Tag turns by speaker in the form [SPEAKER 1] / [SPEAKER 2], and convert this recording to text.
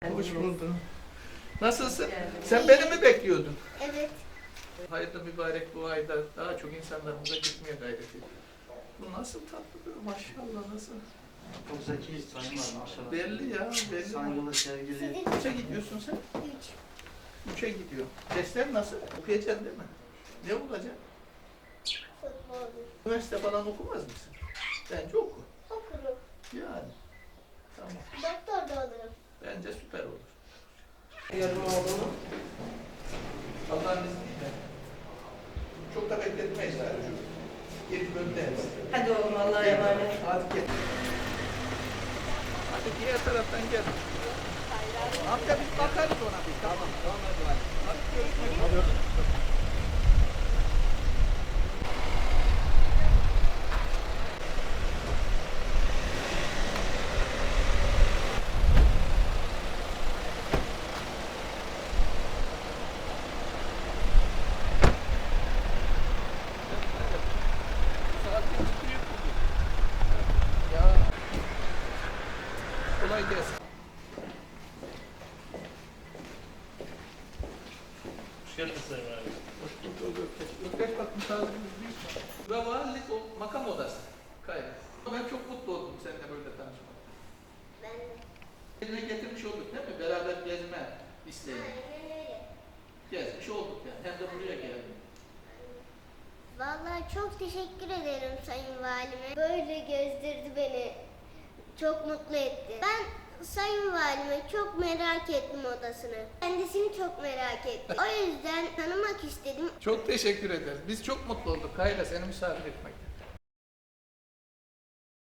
[SPEAKER 1] Hoş buldum. Nasılsın? Sen beni mi bekliyordun?
[SPEAKER 2] Evet.
[SPEAKER 1] Hayırlı mübarek bu ayda daha çok insanlarımıza gitmeye gayret ediyor. Bu nasıl tatlı bir maşallah nasıl?
[SPEAKER 3] Çok zeki, sayın var maşallah.
[SPEAKER 1] Belli ya belli.
[SPEAKER 3] Saygılı, sevgili.
[SPEAKER 1] Kaça gidiyorsun sen?
[SPEAKER 2] 3.
[SPEAKER 1] Üçe gidiyor. Dersler nasıl? Okuyacaksın değil mi? Ne olacaksın?
[SPEAKER 2] Futbol.
[SPEAKER 1] Üniversite falan okumaz mısın? Bence oku.
[SPEAKER 2] Okurum.
[SPEAKER 1] Yani. Tamam.
[SPEAKER 2] Doktor da olurum.
[SPEAKER 1] Bence süper olur. Yarın oğlunu Allah'ın izniyle çok da bekletmeyiz yani şu geri dönmeyiz.
[SPEAKER 4] Hadi oğlum Allah'a emanet.
[SPEAKER 1] Hadi gel. Hadi diğer taraftan gel. Amca biz bakarız ona bir. Tamam. Tamam hadi. Hadi görüşmek üzere. Saatin çıkıyor bugün. Ya. Kolay gelsin.
[SPEAKER 3] Hoş geldiniz sayın abi.
[SPEAKER 1] Hoş bulduk Ökkeş. Ökkeş bak misafirimiz büyük. Ve valilik o makam odası. Kayra. Ben çok mutlu oldum seninle böyle tanışmak.
[SPEAKER 2] Ben de.
[SPEAKER 1] Eline getirmiş olduk değil mi? Beraber gezme isteği.
[SPEAKER 2] Aynen öyle.
[SPEAKER 1] Gezmiş olduk yani. Hem de buraya geldim.
[SPEAKER 2] Vallahi çok teşekkür ederim Sayın Valime. Böyle gezdirdi beni. Çok mutlu etti. Ben Sayın Valime çok merak ettim odasını. Kendisini çok merak ettim. O yüzden tanımak istedim.
[SPEAKER 1] Çok teşekkür ederiz. Biz çok mutlu olduk Kayra seni misafir etmekten.